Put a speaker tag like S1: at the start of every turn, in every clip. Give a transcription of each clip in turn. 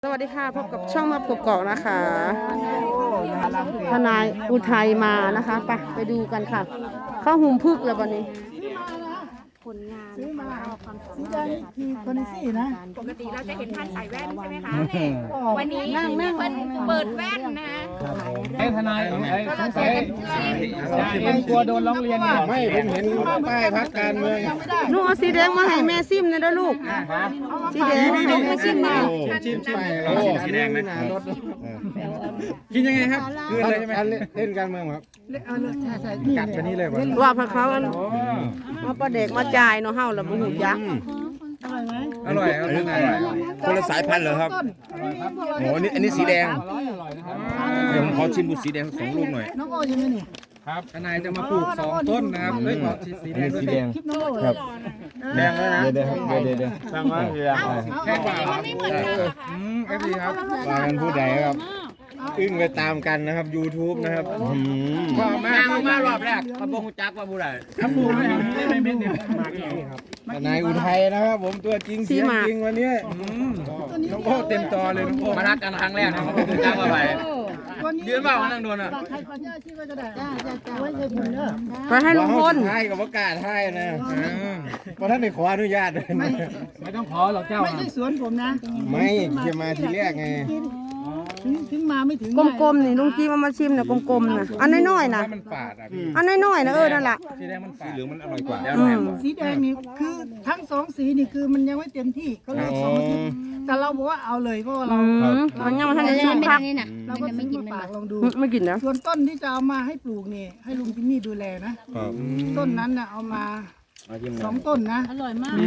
S1: สวัสดีค่ะพบกับช่องมาปกเกาะนะคะทนายอุทัยมานะคะไปดูกันค่ะเข้าหุมพึกแล้ววันนี้ผลงาน
S2: ซื้อมาสีแดงคือคอนซี่นะ
S3: ปกติเราจะเห็นท่านใส่แว่นใช่ไหมคะวันนี้เปิดแว่นนะ
S4: ให้ทนายสงสัยเอ็มกลัวโดนร้องเรียน
S5: ไม่ผมเห็นป้ายพักการเมือง
S1: ลูกเอาสีแดงมาให้แม่ซิมนะเด้อลูกสีแดงให้แม่ซิมมา
S5: ชิมสีแดงนะกินยังไงครับคืออะไรใช่ไหมเล่นการเมืองครับกัดไปนี่เลย
S1: ว่าพระเขาเอาปลาเด็กมาจ่ายเนาะเฮาแล้วบ่หูยักษ์
S5: อร่อยครับคนละสายพันธุ์เหรอครับโอ้อันนี้สีแดงเดี๋ยวผมขอชิมบุสีแดง2 ลูกหน่อย
S2: น้องโอ้ยังไงนี่
S5: ครับทนายจะมาปลูก2 ต้นนะครับด้วยสีแดงครับแดงแล้วนะเดี๋ยวสร้างว่าแค่กว่า
S3: มันไม่เหมือนกันหรอคะ
S5: ดีครับว่ากันผู้ใดครับอึ้งไปตามกันนะครับ YouTube นะครับ
S4: พ่อแม่มารอบแรกขบงจักว่าผู้ใดขบงไม่เม็ดเดียว
S5: นายอุทัยนะครับผมตัวจริงเสียงจริงวันนี้น้องโอ้เต็มจอเลยน้องโอ้
S4: มารักกันครั้งแรกนะขบงจักว่าไปยืนเปล่านั่งโดนอ่ะ
S1: ไปให้ลุงพล
S5: ให้กับประกาศให้นะเพราะท่านได้ขออนุญาต
S4: ไม่ต้องขอหรอกเจ้า
S2: ไม่ใช่สวนผมนะ
S5: ไม่จะมาทีแรกไง
S2: ถึงมาไม่ถึง
S1: กลมๆนี่ลุงจีมาชิมเนี่ยกลมๆนะอันน้อยๆนะ
S5: มันฝาดอ่ะพี่
S1: อันน้อยๆนะนั่นแหละ
S5: สีแดงมันฝาดสีเหลืองมันอร่อยกว่า
S2: สีแดงนี่คือทั้ง2 สีนี่คือมันยังไม่เต็มที่เขาเรียก2 อาทิตย์แต่เราบอกว่าเอาเลยเพราะเรา
S1: มันยังไม่ทันได้ชิมพัก
S2: เราก็ซื้อมาฝากลองดู
S1: ไม่กินนะ
S2: ส่วนต้นที่จะเอามาให้ปลูกนี่ให้ลุงจิมมี่ดูแลนะต้นนั้นน่ะเอามา2 ต้นนะอร่อยมาก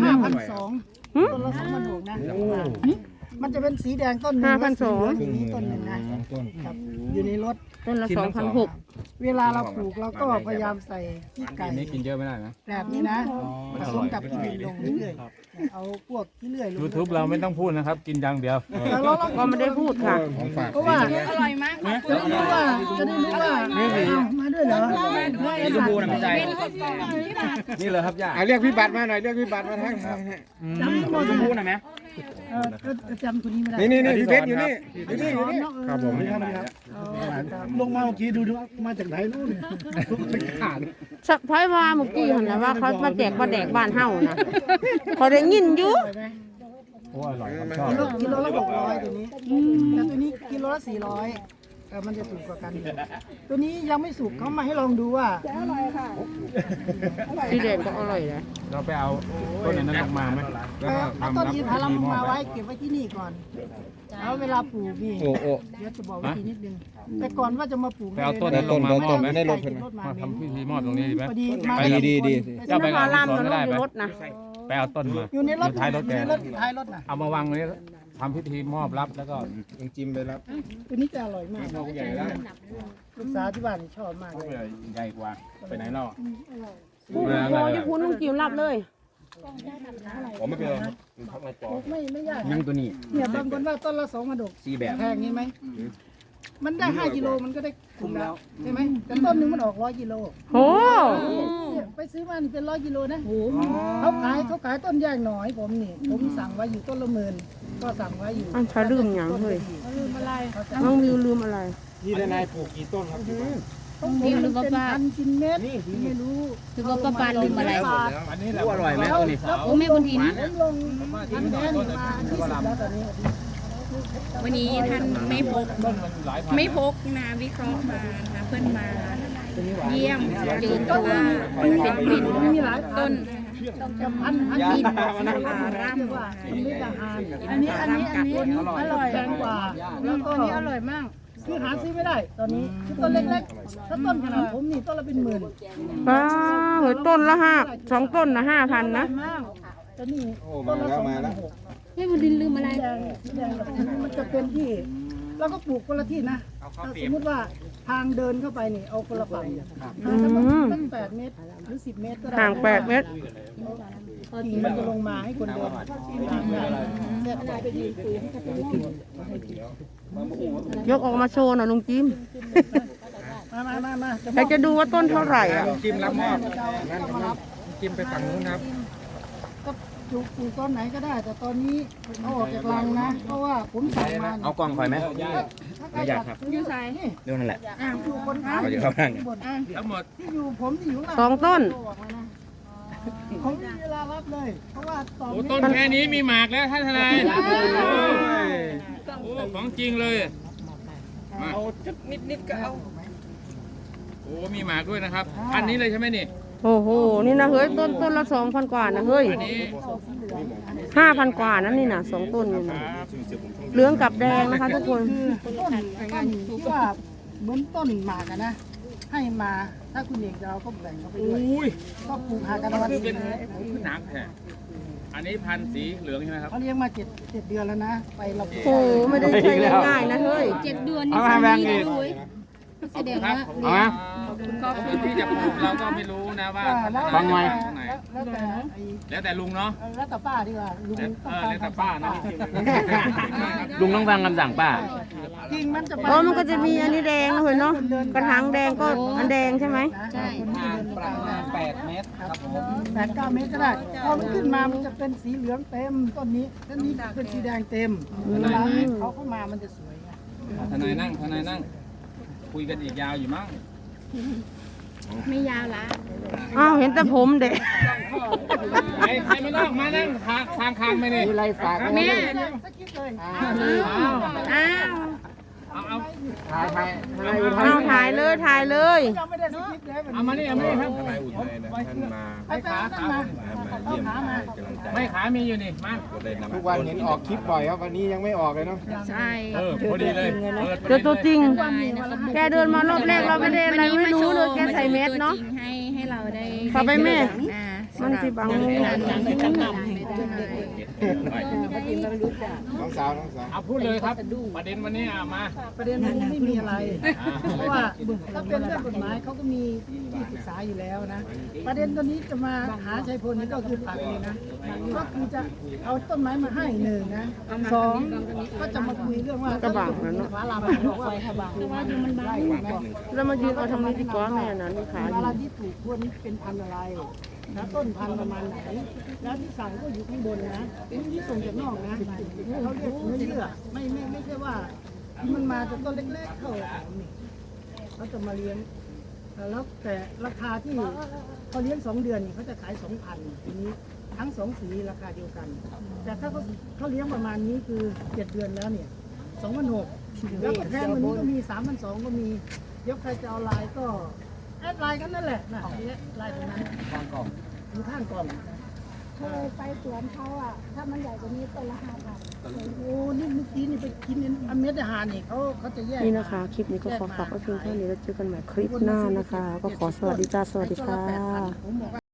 S2: 5,200ต้นละ2,600นะมันจะเป็นสีแดงต้นหนึ่ง5,200อย่างนี้ต้นหนึ่งนะครับอยู่ในรถ
S1: ต้นละ2,600
S2: เวลาเราปลูกเราก็พยายามใส่ขี้ไก่
S4: นี่กินเยอะไม่ได้นะ
S2: แบบนี้นะผสมกับขี้ดินลงเรื่อยๆเอาพวกขี้เลื่อยลง
S4: YouTube เราไม่ต้องพูดนะครับกินอย่างเดียว
S1: ก็ไม่ได้พูดค่ะ
S2: เพราะว่า
S3: อร่อยมาก
S2: จะได้รู้ว่ามาด้วยเหรอ
S4: นี่ชมพูนะพี่ใจนี่เลยครับย่า
S5: เรียกพี่บัตรมาหน่อยเรียกพี่บัตรมาทักทาย
S4: ชมพูนะไหม
S2: ก็จำคนนี้ไม่ได้
S5: นี่พี่เพชรอยู่นี่ครับผม
S2: ลงมาเมื่อกี้ดูมาจากไหนนู่น
S1: ขาดสักพักว่าเมื่อกี้เห็นแล้วว่าเขามาแจกปลาแดกบ้านเฮานะเขาได้ยินอยู่
S4: โอ้อร่อยครับชอบ
S2: กิโลละ600ตัวนี้แต่ตัวนี้กิโลละ400มันจะถูกกว่ากันตัวนี้ยังไม่สุกเขามาให้ลองดูว่า
S1: อร่อยค่ะสีแดงก็อร่อยนะ
S4: เราไปเอาต้นนั้นออกมาไหม
S2: เอาต้นอินทผลัมมาไว้เก็บไว้ที่นี่ก่อนแล้วเวลาปลูกนี่เดี๋ยวจะบอกวิธีนิดนึงแต่ก่อนว่าจะมาปลูก
S4: ไปเอาต้นมามอบไหมได้รถมาทำพิธีมอบตรงนี้ดีไหมดี
S1: เจ้าไปงานรถได้รถนะ
S4: ไปเอาต้นมา
S2: อยู่ในรถ
S4: ท้ายรถแก
S2: ท้ายรถนะ
S4: เอามาวางตรงนี้ทำพิธีมอบรับแล้วก็
S5: จิ้มไปรับ
S2: ตัวนี้จะอร่อยมาก
S4: ใหญ่แล้ว
S2: ลูกสาวที่บ้านชอบมากเลย
S4: ใหญ่กว่าไปไหนเนาะ
S1: พูดโมที่พูดลุงจิ๋วรับเลย
S5: ผมไม่เป็นไร
S2: ไม่ยาก
S4: ยังตัวนี้
S2: เนี่ยบางคนว่าต้นละ2 กระดก
S4: 4 แบบ
S2: แพงงี้ไหมมันได้5 กิโลมันก็ได้คุ้มแล้วใช่ไหมแต่ต้นนึงมันออก100 กิโล
S1: โอ้
S2: ไปซื้อมานี่เป็น100 กิโลนะเขาขายต้นแยกหน่อยผมสั่งไว้อยู่ต้นละ10,000ก็สั่งไว้อยู่
S1: เขาลืมอย่างเฮ้ย
S2: ลืมอะไร
S1: น้องวิวลืมอะไร
S5: นี่นายปลูกกี่ต้นครับ
S2: นี่ลืมว่าป้ากินเม็ดไม่รู้
S3: คือว่าป้าปานลืมอะไร
S4: อันนี้อร่อยไหมตัวนี้
S3: โอ้แม่บุญทิน
S2: ลงทันแน่นมาที่สุดแล้วตอนนี้
S3: วันนี้ท่านไม่พกนะวิเคราะห์มานะเพื่อนมาเยี่ยมเจอตัวเป็นต้น
S2: พัน
S3: อิน
S2: ร่ำว่าอันนี้อร่อยแพงกว่าแล้วก็นี้อร่อยมากคือหาซื้อไม่ได้ตอนนี้คือต้นเล็กๆถ้าต้นขนาดผมนี่ต้นละเป็น10,000
S1: เหยต้นละ2 ต้นนะ5,000นะ
S2: ตอนนี้ต้นละ2,600
S3: ไม่บุญทินลืมอะไร
S2: มันจะเป็นที่เราก็ปลูกคนละที่นะสมมติว่าทางเดินเข้าไปนี่เอาคนละฝั่งตั้ง8 เมตรหรือ10 เมตรก็ได้
S1: ห่าง8 เมตร
S2: กิ่งมันจะลงมาให้คนเดิน
S1: ยกออกมาโชว์หน่อยลุงจิม
S2: มา
S1: อยากจะดูว่าต้นเท่าไหร่อ่ะ
S5: จิ้มรับมอบจิ้มไปฝั่งนู้นครับ
S2: ปลูกต้นไหนก็ได้ แต่ตอนนี้เอาออกจากรังนะ เพราะว่าผมสั่งมา
S5: เอากล่องคอยไหม
S2: ไม่อยากครับ
S3: ยูไซ
S2: นี่
S5: เรื่องนั่นแหละ
S2: อยู่คนขาย
S5: เราจะเข้านั่ง
S4: ทั้งหมด
S2: ที่อยู่ผมที่อยู่
S1: สองต้น
S2: ผมไม่มีเวลารับเลย เพราะว่าตอน
S4: โอ้
S2: นี้
S4: ต้นแค่นี้มีหมากแล้วท่านทนายโอ้ของจริงเลยเอาจักนิดก็เอาโอ้มีหมากด้วยนะครับอันนี้เลยใช่ไหมนี่
S1: โอ้โห นี่นะเฮ้ยต้นละ2,000 กว่านะเฮ้ย
S4: อันนี้
S1: 5,000 กว่านั่นนี่นะ2 ต้นนี่นะเหลืองกับแดงนะคะทุกคน
S2: คือต้นที่ว่าเหมือนต้นหมากอะนะ ให้มาถ้าคุณเอกจะเอาก็แบ่งเขาไปด้วย
S4: อุ้ย
S2: ก็ปลูกหากันวัน
S4: คือ
S2: นี้
S4: เป็นหนักแท้อันนี้พันธุ์สีเหลืองใช่ไหมครับ
S2: เขาเลี้ยงมา7 เดือนแล้วนะ ไปเราปลูก
S1: โอ้โหไม่ได้ใช้ง่ายๆนะเฮ้ย
S3: 7 เดือนนี่สามีด้วยแสดงว่า
S4: ก็คือที่จะปลูกเราก็ไม่รู้นะว่า
S2: แล้ว
S4: ฟังไง
S2: แล้วแต่ไอ้
S4: แล้วแต่ลุงเนาะ
S2: แล้วแต่ป้าดีกว่าลุงต้องการ
S4: แล้วแต่ป้านะ
S5: ลุงต้องฟังคำสั่งป้า
S2: จริงมันจะไป
S1: อ๋อมันก็จะมีอันนี้แดงนะเฮ้ยเนาะ กระถางแดงก็อันแดงใช่ไหม
S2: ใช่ประมาณ8 เมตรครับ8-9 เมตรก็ได้ พอมันขึ้นมามันจะเป็นสีเหลืองเต็มต้นนี้ต้นนี้เป็นสีแดงเต็มเวลาเขาเข้ามามันจะสวยไง
S4: ทนายนั่งคุยกันอีกยาวอยู่มั้ง
S3: ไม่ยาวละ
S1: อ้าวเห็นแต่ผมเด็ก
S4: ใครไม่นอกมานั่งคางไม่นี่
S2: ไรฝาก
S3: แม่
S2: สักคิดเลย
S3: อ้าว
S4: เอา
S1: เอาถ่ายเลยถ่ายเลย
S2: ยังไม่ได้สกิปเลย
S4: เอามานี่ครับ
S5: ทนายอุทัยนะท่านมา
S2: ไปขามา
S5: เยี่ยมให้กำลังใจ
S4: ไม่ขามีอยู่นี่มา
S5: ก็ได้นำ
S6: ทุกวันเห็นออกคลิปบ่อยครับวันนี้ยังไม่ออกเลยเนาะ
S3: ใช่
S4: พอดีเลย
S1: เจอตัวจริง
S3: ได้นะคะ
S1: แกเดินมารอบแรกเราไม่ได้อะไรไม่รู้เลยแกใส่เม็ดเนาะ
S3: ให้เราได้
S1: เข้าไปแม่
S3: อ่า
S1: มันสิบัง
S6: น้องสาว
S4: เอาพูดเลยครับประเด็นวันนี้มา
S2: ประเด็นมันไม่มีอะไร เพราะว่าถ้าเป็นเรื่องกฎหมายเขาก็มีที่ปรึกษาอยู่แล้วนะ ประเด็นตัวนี้จะมาหาชัยพลนี่ก็คือฝากเลยนะ ก็คือจะเอาต้นไม้มาให้หนึ่งนะสองก็จะมาคุยเรื่องว่าก
S1: ระบังนะเนาะ
S2: ฟ้าลาบบอกว่ามันไล่นะ
S1: แล้วมายืนเอาทำไมดีกว่าแม่น่ะนี่ขาอ
S2: เว
S1: ยู่
S2: ลาที่ปลูกพวกนี้เป็นพันธุ์อะไรนะต้นพันธุ์ประมาณไหน แล้วที่สั่งก็อยู่ข้างบนนะที่ส่งจากนอกนะเขาเรียกเนื้อเยื่อไม่ใช่ว่าที่มันมาจากต้นเล็กๆเข้านี่เขาจะมาเลี้ยงแล้วแต่ราคาที่เขาเลี้ยง2 เดือนนี่เขาจะขาย 2,000ทีนี้ทั้ง2 สีราคาเดียวกัน แต่ถ้าเขาเลี้ยงประมาณนี้คือ7 เดือนแล้วเนี่ย2,600แล้วก็แพงกว่านี้ก็มี3,200ก็มีเดี๋ยวใครจะเอาลายก็แอดไลน์กันนั่นแหละนะไลน์ตรงนั้นข้างกล่องอยู่ข้างกล่อง
S7: เคยไปสวนเขาอ่ะ ถ้ามันใหญ่กว่านี้ต้นละ5,000
S2: โอ้นี่เมื่อกี้นี่ไปกินอันเม็ดอาหารนี่เขาจะแยก
S1: นี่นะคะ คลิปนี้ก็ขอฝากไว้เพียงเท่านี้แล้วเจอกันใหม่คลิปหน้านะคะ ก็ขอสวัสดีจ้าสวัสดีค่ะ
S2: ผมบอกว่า